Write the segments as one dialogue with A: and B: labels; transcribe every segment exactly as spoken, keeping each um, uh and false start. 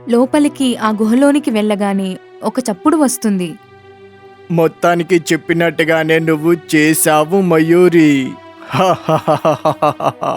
A: లోపలికి ఆ గుహలోనికి వెళ్ళగానే ఒక చప్పుడు వస్తుంది.
B: మొత్తానికి చెప్పినట్టుగానే నువ్వు చేశావు మయూరి. హాహాహాహాహా.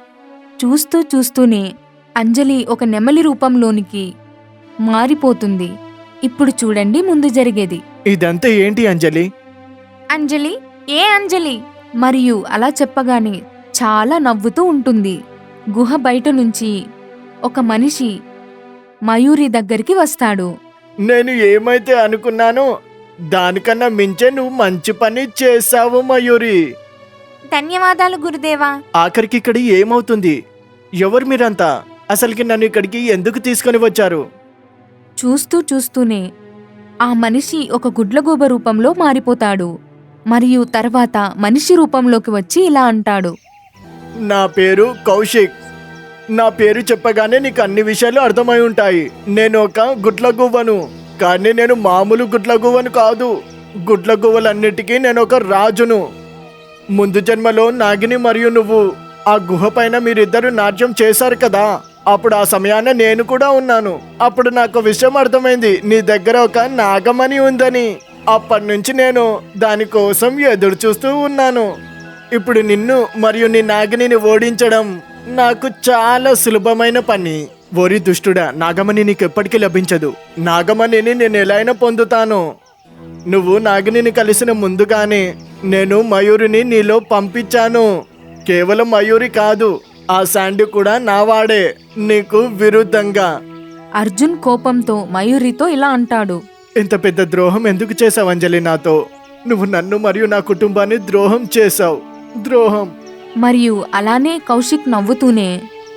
A: చూస్తూ చూస్తూనే అంజలి ఒక నెమలి రూపంలోనికి మారిపోతుంది. ఇప్పుడు చూడండి ముందు జరిగేది.
B: ఇదంతా ఏంటి అంజలి?
A: అంజలి, ఏ అంజలి? మరియు అలా చెప్పగానే చాలా నవ్వుతూ ఉంటుంది. గుహ బయట నుంచి ఒక మనిషి మయూరి దగ్గరికి వస్తాడు.
B: నేను ఏమైతే అనుకున్నానో దానికన్నా మించే నువ్వు మంచి పని చేశావు మయూరి.
A: ధన్యవాదాలు గురుదేవా.
B: ఆఖరికి ఇక్కడ ఏమవుతుంది? ఎవరు మీరంతా? అసలుకి నన్ను ఇక్కడికి ఎందుకు తీసుకొని వచ్చారు?
A: చూస్తూ చూస్తూనే ఆ మనిషి ఒక గుడ్లగూబ రూపంలో మారిపోతాడు. మరియు తర్వాత మనిషి రూపంలోకి వచ్చి ఇలా అంటాడు.
B: నా పేరు కౌశిక్. నా పేరు చెప్పగానే నీకు అన్ని విషయాలు అర్థమై ఉంటాయి. నేను ఒక గుడ్లగువ్వను, కానీ నేను మామూలు గుడ్లగువ్వను కాదు. గుడ్లగువ్వలన్నిటికీ నేను ఒక రాజును. ముందు జన్మలో నాగిని మరియు నువ్వు ఆ గుహ పైన మీరిద్దరు నాట్యం చేశారు కదా, అప్పుడు ఆ సమయాన నేను కూడా ఉన్నాను. అప్పుడు నాకు విషయం అర్థమైంది, నీ దగ్గర ఒక నాగమణి ఉందని. అప్పటి నుంచి నేను దానికోసం ఎదురు చూస్తూ ఉన్నాను. ఇప్పుడు నిన్ను మరియు నీ నాగిని ఓడించడం నాకు చాలా సులభమైన పని. ఓరి దుష్టుడా, నాగమణి నీకు ఎప్పటికీ లభించదు. నాగమణిని నేను ఎలా అయినా పొందుతాను. నువ్వు నాగిని కలిసిన ముందుగానే నేను మయూరిని నీలో పంపించాను. కేవలం మయూరి కాదు, ఆ శాండీ కూడా నావాడే, నీకు విరుద్ధంగా.
A: అర్జున్ కోపంతో మయూరితో ఇలా అంటాడు.
B: ఇంత పెద్ద ద్రోహం ఎందుకు చేసావు అంజలి నాతో? నువ్వు నన్ను మరియు నా కుటుంబాన్ని ద్రోహం చేశావు. ద్రోహం.
A: మరియు అలానే కౌశిక్ నవ్వుతూనే,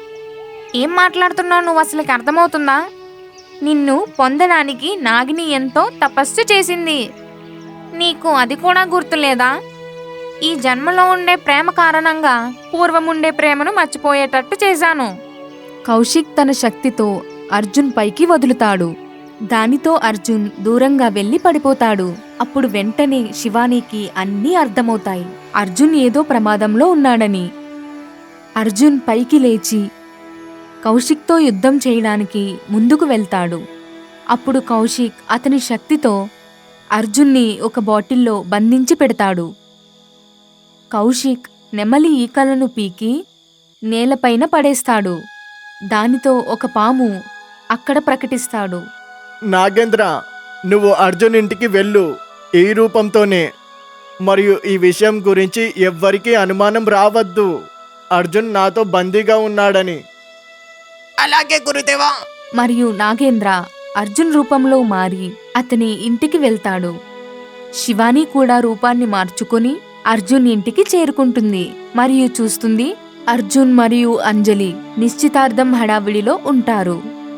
A: ఏం మాట్లాడుతున్నావు నువ్వు? అసలుకి అర్థమవుతుందా? నిన్ను పొందడానికి నాగిని ఎంతో తపస్సు చేసింది. నీకు అది కూడా గుర్తులేదా? ఈ జన్మలో ఉండే ప్రేమ కారణంగా పూర్వముండే ప్రేమను మర్చిపోయేటట్టు చేశాను. కౌశిక్ తన శక్తితో అర్జున్ పైకి వదులుతాడు. దానితో అర్జున్ దూరంగా వెళ్లి పడిపోతాడు. అప్పుడు వెంటనే శివానీకి అన్నీ అర్థమవుతాయి. అర్జున్ ఏదో ప్రమాదంలో ఉన్నాడని. అర్జున్ పైకి లేచి కౌశిక్తో యుద్ధం చేయడానికి ముందుకు వెళ్తాడు. అప్పుడు కౌశిక్ అతని శక్తితో అర్జున్ని ఒక బాటిల్లో బంధించి పెడతాడు. కౌశిక్ నెమలి ఈకలను పీకి నేలపైన పడేస్తాడు. దానితో ఒక పాము అక్కడ ప్రకటిస్తాడు.
B: నాగేంద్ర, నువ్వు అర్జున్ ఇంటికి వెళ్ళు, ఈ రూపంతోనే. మరియు ఈ విషయం గురించి ఎవ్వరికీ అనుమానం రావద్దు. అర్జున్ నాతో బందీగా ఉన్నాడని. అలాగే గురుదేవా.
A: మరియు నాగేంద్ర అర్జున్ రూపంలో మారి అతని ఇంటికి వెళ్తాడు. శివాని కూడా రూపాన్ని మార్చుకుని అర్జున్ ఇంటికి చేరుకుంటుంది. మరియు చూస్తుంది అర్జున్ మరియు అంజలి నిశ్చితార్థం హడావిడిలో ఉంటారు.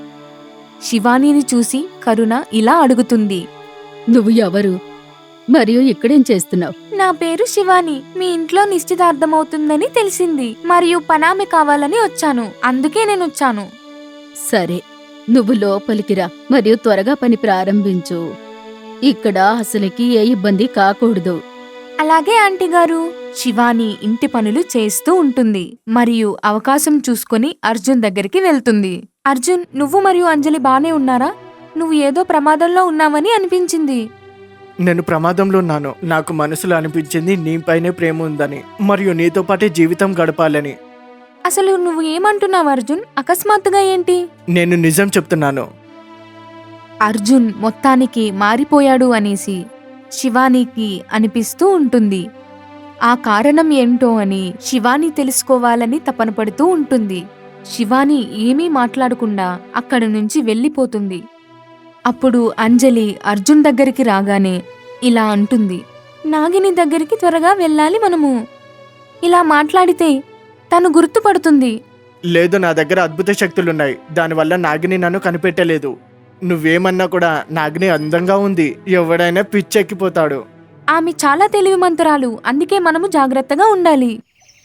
A: శివానీని చూసి కరుణ ఇలా అడుగుతుంది.
C: నువ్వు ఎవరు? మరియు ఇక్కడేం చేస్తున్నావు?
A: నా పేరు శివాని. మీ ఇంట్లో నిశ్చితార్థమవుతుందని తెలిసింది మరియు పనామె కావాలని వచ్చాను. అందుకే నేను వచ్చాను.
C: సరే, నువ్వు లోపలికి రా మరియు త్వరగా పని ప్రారంభించు. ఇక్కడ అసలుకి ఏ ఇబ్బంది కాకూడదు.
A: అలాగే ఆంటీ గారు. శివాని ఇంటి పనులు చేస్తూ ఉంటుంది మరియు అవకాశం చూసుకొని అర్జున్ దగ్గరికి వెళ్తుంది. అర్జున్, నువ్వు మరియు అంజలి బానే ఉన్నారా? నువ్వు ఏదో ప్రమాదంలో ఉన్నావని అనిపించింది.
B: నేను ప్రమాదంలో ఉన్నాను. నాకు మనసులో అనిపించింది నీపైనే ప్రేమ ఉందని మరియు నీతో పాటే జీవితం గడపాలని.
A: అసలు నువ్వు ఏమంటున్నావు అర్జున్? అకస్మాత్తుగా ఏంటి?
B: నేను నిజం చెప్తున్నాను.
A: అర్జున్ మొత్తానికి మారిపోయాడు అనేసి శివానీకి అనిపిస్తూ ఉంటుంది. ఆ కారణం ఏంటో అని శివాని తెలుసుకోవాలని తపన పడుతూ ఉంటుంది. శివాని ఏమీ మాట్లాడకుండా అక్కడి నుంచి వెళ్ళిపోతుంది. అప్పుడు అంజలి అర్జున్ దగ్గరికి రాగానే ఇలా అంటుంది. నాగిని దగ్గరికి త్వరగా వెళ్ళాలి మనము. ఇలా మాట్లాడితే తను గుర్తుపడుతుంది.
B: లేదు, నా దగ్గర అద్భుత శక్తులున్నాయి. దానివల్ల నాగిని నన్ను కనిపెట్టలేదు. నువ్వేమన్నా కూడా నాగిని అందంగా ఉంది. ఎవడైనా పిచ్చెక్కిపోతాడు.
A: ఆమె చాలా తెలివిమంతురాలు. అందుకే మనము జాగ్రత్తగా ఉండాలి.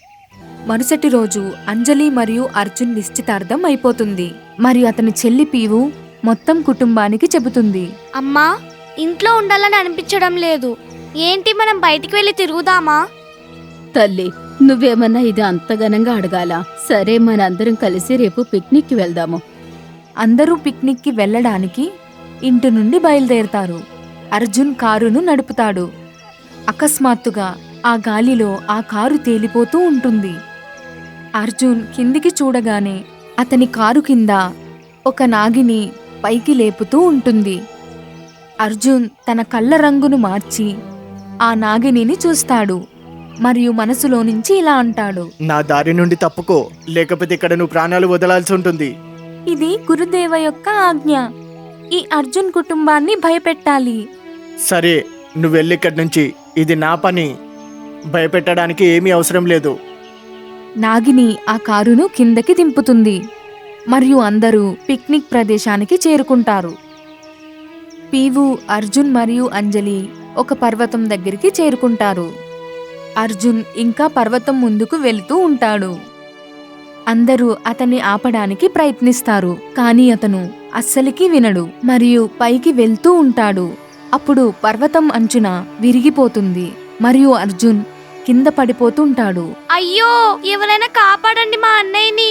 A: మరుసటి రోజు అంజలి మరియు అర్జున్ నిశ్చితార్థం అయిపోతుంది. మరియు అతని చెల్లి పీవు మొత్తం కుటుంబానికి చెబుతుంది.
D: అమ్మా, ఇంట్లో ఉండాలని అనిపించడం లేదు. ఏంటి, మనం బయటికి వెళ్ళి తిరుగుదామా?
C: తల్లి, నువ్వేమన్నా ఇది అంత ఘనంగా అడగాలా? సరే, మనందరం కలిసి రేపు పిక్నిక్కి వెళ్దాము.
A: అందరూ పిక్నిక్కి వెళ్ళడానికి ఇంటి నుండి బయలుదేరుతారు. అర్జున్ కారును నడుపుతాడు. అకస్మాత్తుగా ఆ గాలిలో ఆ కారు తేలిపోతూ ఉంటుంది. అర్జున్ కిందికి చూడగానే అతని కారు కింద ఒక నాగిని పైకి లేపుతూ ఉంటుంది. అర్జున్ తన కళ్ళ రంగును మార్చి ఆ నాగిని చూస్తాడు మరియు మనసులో నుంచి ఇలా అంటాడు,
B: నా దారి నుండి తప్పుకో, లేకపోతే ఇక్కడ నువ్వు ప్రాణాలు వదలాల్సి ఉంటుంది.
A: ఇది గురుదేవ యొక్క ఆజ్ఞ. ఈ అర్జున్ కుటుంబాన్ని భయపెట్టాలి.
B: సరే, నువ్వు వెళ్ళి ఇక్కడి నుంచి. ఇది నా పని. భయపెట్టడానికి ఏమీ అవసరం లేదు.
A: నాగిని ఆ కారును కిందకి దింపుతుంది మరియు అందరూ పిక్నిక్ ప్రదేశానికి చేరుకుంటారు. పీవు, అర్జున్ మరియు అంజలి ఒక పర్వతం దగ్గరికి చేరుకుంటారు. అర్జున్ ఇంకా పర్వతం ముందుకు వెళుతూ ఉంటాడు. అందరూ అతన్ని ఆపడానికి ప్రయత్నిస్తారు, కానీ అతను అస్సలికి వినడు మరియు పైకి వెళ్తూ ఉంటాడు. అప్పుడు పర్వతం అంచున విరిగిపోతుంది మరియు అర్జున్ కింద పడిపోతుంటాడు.
D: అయ్యో, ఎవరైనా కాపాడండి మా అన్నయ్యని.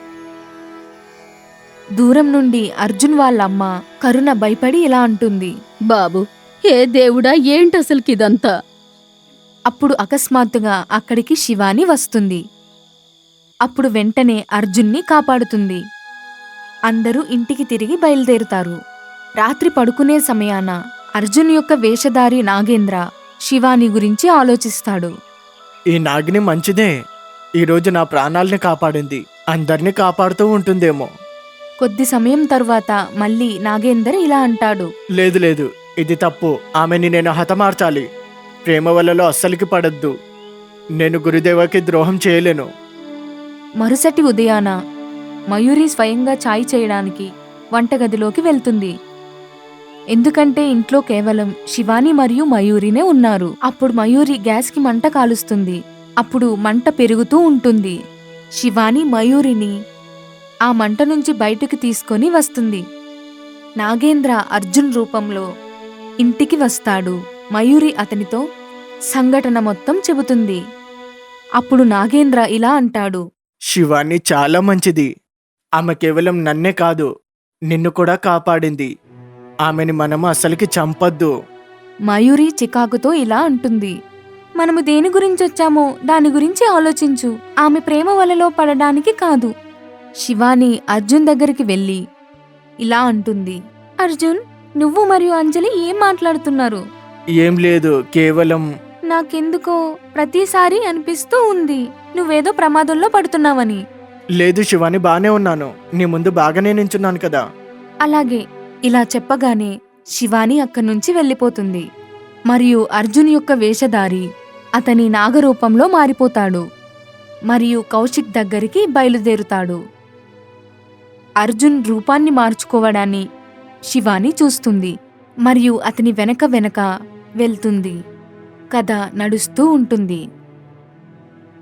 A: దూరం నుండి అర్జున్ వాళ్ళమ్మ కరుణ భయపడి ఇలా అంటుంది,
C: బాబు, ఏ దేవుడా, ఏంటసలుకిదంతా?
A: అప్పుడు అకస్మాత్తుగా అక్కడికి శివాని వస్తుంది. అప్పుడు వెంటనే అర్జున్ని కాపాడుతుంది. అందరూ ఇంటికి తిరిగి బయలుదేరుతారు. రాత్రి పడుకునే సమయాన అర్జున్ యొక్క వేషధారి నాగేంద్ర శివాని గురించి ఆలోచిస్తాడు.
B: ఈ నాగిని మంచిదే. ఈరోజు నా ప్రాణాల్ని కాపాడింది. అందరినీ కాపాడుతూ ఉంటుందేమో.
A: కొద్ది సమయం తరువాత మళ్ళీ నాగేందర్ ఇలా అంటాడు,
B: లేదు లేదు, ఇది తప్పు. ఆమెని నేను హతమార్చాలి. ప్రేమ వలలో అస్సలికి పడద్దు. నేను గురుదేవకి ద్రోహం చేయలేను.
A: మరుసటి ఉదయాన మయూరి స్వయంగా ఛాయ్ చేయడానికి వంటగదిలోకి వెళ్తుంది. ఎందుకంటే ఇంట్లో కేవలం శివాని మరియు మయూరినే ఉన్నారు. అప్పుడు మయూరి గ్యాస్కి మంట కాలుస్తుంది. అప్పుడు మంట పెరుగుతూ ఉంటుంది. శివాని మయూరిని ఆ మంట నుంచి బయటకు తీసుకొని వస్తుంది. నాగేంద్ర అర్జున్ రూపంలో ఇంటికి వస్తాడు. మయూరి అతనితో సంఘటన మొత్తం చెబుతుంది. అప్పుడు నాగేంద్ర ఇలా అంటాడు,
B: శివాని చాలా మంచిది. ఆమె కేవలం నన్నే కాదు, నిన్ను కూడా కాపాడింది. ఆమెని మనము అస్సలికి చంపొద్దు.
A: మయూరి చికాకుతో ఇలా అంటుంది, మనము దేని గురించి వచ్చామో దాని గురించి ఆలోచించు. ఆమె ప్రేమ వలలో పడడానికి కాదు. శివాని అర్జున్ దగ్గరికి వెళ్ళి ఇలా అంటుంది, అర్జున్, నువ్వు మరియు అంజలి ఏం మాట్లాడుతున్నారు?
B: ఏం లేదు, కేవలం
A: నాకెందుకో ప్రతిసారి అనిపిస్తూ ఉంది నువ్వేదో ప్రమాదంలో పడుతున్నావని.
B: లేదు శివాని, బానే ఉన్నాను. నీ ముందు బాగానే నించున్నాను కదా.
A: అలాగే ఇలా చెప్పగానే శివాని అక్కడి నుంచి వెళ్ళిపోతుంది మరియు అర్జున్ యొక్క వేషధారి అతని నాగరూపంలో మారిపోతాడు మరియు కౌశిక్ దగ్గరికి బయలుదేరుతాడు. అర్జున్ రూపాన్ని మార్చుకోవడాన్ని శివాని చూస్తుంది మరియు అతని వెనక వెనక వెళ్తుంది. కథ నడుస్తూ ఉంటుంది.